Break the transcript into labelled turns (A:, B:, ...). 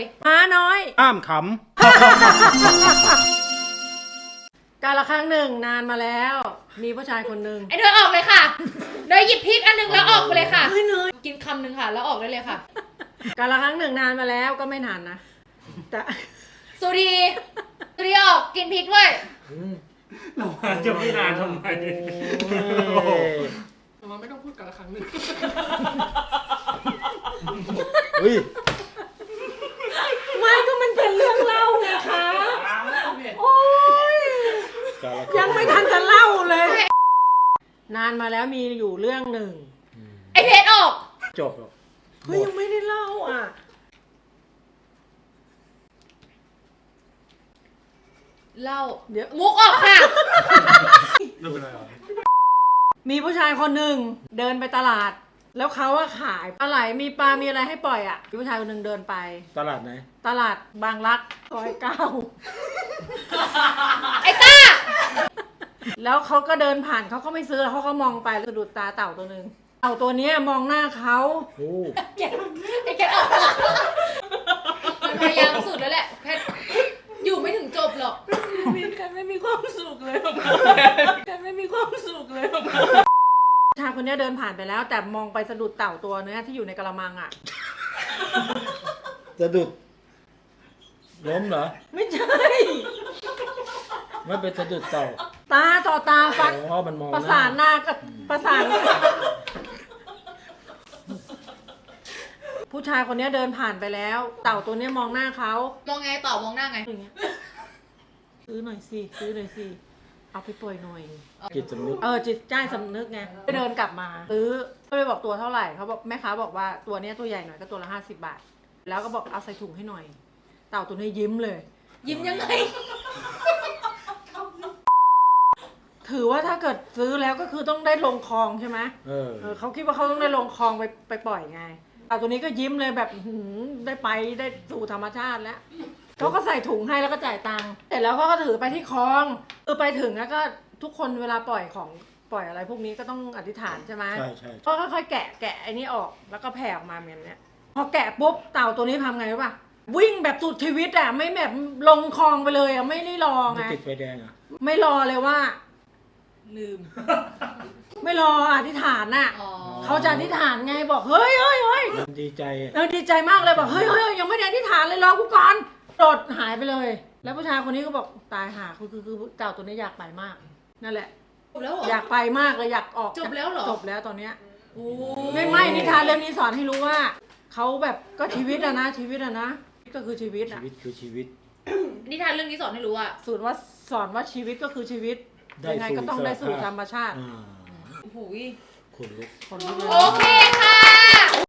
A: ม้าน้อย
B: ห้ามข
A: กาลครั้งหนึ่งนานมาแล้ว มีผู้ชายคนหนึ่ง
C: ไอเนยออกเลยค่ะเนยหยิบพริกอันนึงแล้วออกไปเลยค่ะ
A: เฮ้ยเนย
C: กินคำนึงค่ะแล้วออกได้เลยค่ะ
A: กาลครั้งหนึ่งนานมาแล้วก็ไม่นานนะแต่
C: สุรีออกกินพริกด้วย
B: เราจะไม่นานทำไม
D: มันไม่ต้องพูดกันละครั้งหนึ่ง
B: เฮ้ย
A: ไม่ก็มันเป็นเรื่องเล่าไงคะโอ้ยยังไม่ทันจะเล่าเลย นานมาแล้วมีอยู่เรื่องหนึ่ง
C: ไอเพชรออก
B: จบหรอก
A: เฮ้ยยังไม่ได้เล่าอ่ะ
C: เล่า
A: เดี๋ยว
C: มุกออกค่ะ
B: ไม่เป็นไรหรอ
A: มีผู้ชายคนหนึ่งเดินไปตลาด แล้วเขาว่าขายปลาไหลมีปลา มีอะไรให้ปล่อยอ่ะมีผู้ชายคนหนึ่งเดินไป
B: ตลาดไหน
A: ตลาดบางรักซอย9
C: ไอต้า
A: แล้วเขาก็เดินผ่านเขาก็ไม่ซื้อแล้วเขาก็มองไปแล้วสะดุดตาเต่าตัวหนึ่งเต่าตัวเนี้ยมองหน้าเขา
B: โอ้
C: ไอแกออกมันพยายามสุดแล้วแหละเพชรอยู่ไม่ถึงจบหรอก
A: กันไม่มีความสุขเลยกันไม่มีความสุขเลยชายคนเนี้ยเดินผ่านไปแล้ว แต่มองไปสะดุดเต่าตัวเนี้ยที่อยู่ในกระมังอ่ะ
B: สะดุดล้มเหรอ
A: ไม่ใช่
B: ไม่เป็นสะดุดเต่า
A: ตาต่อตาฟัด
B: อ๋อมันมอง
A: ประสานหน้ากับประสานผู้ชายคนเนี้ยเดินผ่านไปแล้ว เต่าตัวเนี้ยมองหน้าเขา
C: มองไงต่อมองหน้าไง
A: อย่างเงี้ยซื้อหน่อยสิซื้อหน่อยสิเอาไปปล่อยหน่อย
B: จิตสำนึก
A: จิตใจสำนึกไงไปเดินกลับมาซื้อก็ไปบอกตัวเท่าไหร่เขาบอกแม่ค้าบอกว่าตัวเนี้ยตัวใหญ่หน่อยก็ตัวละ50 บาท แล้วก็บอกเอาใส่ถุงให้หน่อย เต่าตัวนี้ยิ้มเลย
C: ยิ้มยังไง
A: ถือว่าถ้าเกิดซื้อแล้วก็คือต้องได้ลงคลองใช่ไหม เขาคิดว่าเขาต้องได้ลงคลองไปปล่อยไงเต่าตัวนี้ก็ยิ้มเลยแบบได้ไปได้สู่ธรรมชาติแล้วเขาก็ใส่ถุงให้แล้วก็จ่ายตังค์เสร็จแล้วเขาก็ถือไปที่คลองไปถึงแล้วก็ทุกคนเวลาปล่อยของปล่อยอะไรพวกนี้ก็ต้องอธิษฐานใช่ไหม
B: ใช่ใช่
A: ก็ค่อยๆแกะไอ้นี่ออกแล้วก็แผ่ออกมาเหมือนเนี้ยพอแกะปุ๊บเต่าตัวนี้ทำไงรู้ป่ะวิ่งแบบสุดชีวิตอ่ะไม่แบบลงคลองไปเลยอ่ะไม่ได้รอ
B: ไม่
A: ไง
B: ติดไฟแดงอ่ะ
A: ไม่รอเลยว่า
C: ลืม
A: ไม่รออธิษฐานน่ะ
C: อ๋อ
A: เขาจะอธิษฐานไงบอกเฮ้ย
B: มันดีใจอะ
A: ดีใจมากเลยบอกเฮ้ยยังไม่ได้อธิษฐานเลยรอกูก่อนโดดหายไปเลย แล้วผู้ชายคนนี้ก็บอกตายหาคือเต่าตัวนี้อยากไปมาก นั่นแหละ
C: จบแล้วเหรอ
A: อยากไปมากเลยอยากออก
C: จบแล้วเหรอ
A: จบแล้วตอนเนี้ย
C: โอ้
A: ไม่นิทานเรื่องนี้สอนให้รู้ว่าเขาแบบก็ชีวิตอะนะชีวิตอะนะก็คือชีวิต
B: ชี
A: อะ
B: วิตคือชีวิต
C: นิทานเรื่องนี้สอนให้รู้ว่า
A: สอนว่าชีวิตก็คือชีวิต
B: ได้
A: ยังไงก็ต้องได้สู่ธรรมชาติ
B: อ่า
C: โอ้โห
B: คนลุก
A: คนที่
C: โอเคค่ะ